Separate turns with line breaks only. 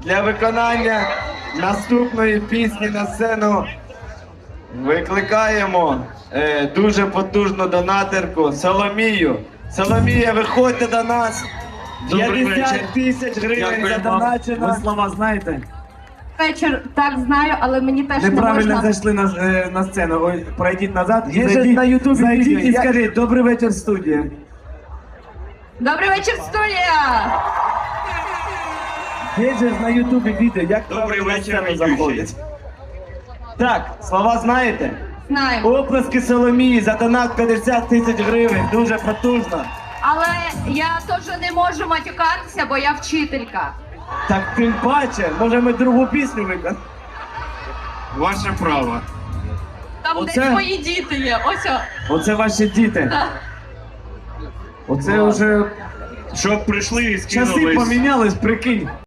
Для виконання наступної пісні на сцену викликаємо дуже потужну донатерку Соломію. Соломія, виходьте до нас. 50 тисяч гривень задоначено.
Ви слова знаєте?
Вечір так знаю, але мені теж не
Неправильно
можна.
зайшли на сцену. Ой, пройдіть назад.
Є же на Ютубі
зайдіть
відео.
і скажіть «Добрий вечір, студія».
Добрий вечір, студія!
Є же на Ютубі відео, як
Добрий
правильно на
вечір,
сцену
ведучий.
заходять. Так, слова знаєте?
Знаємо.
Оплески Соломії за донат 50 тисяч гривень. Дуже потужно.
Але я теж не можу матюкатися, бо я вчителька.
Так тим паче, може ми другу пісню виконаємо?
Ваше право.
Там
Оце-
десь мої діти є. Ось о.
Оце ваші діти.
Так.
Оце вже
Щоб прийшли і
часи
скинулись.
помінялись, прикинь.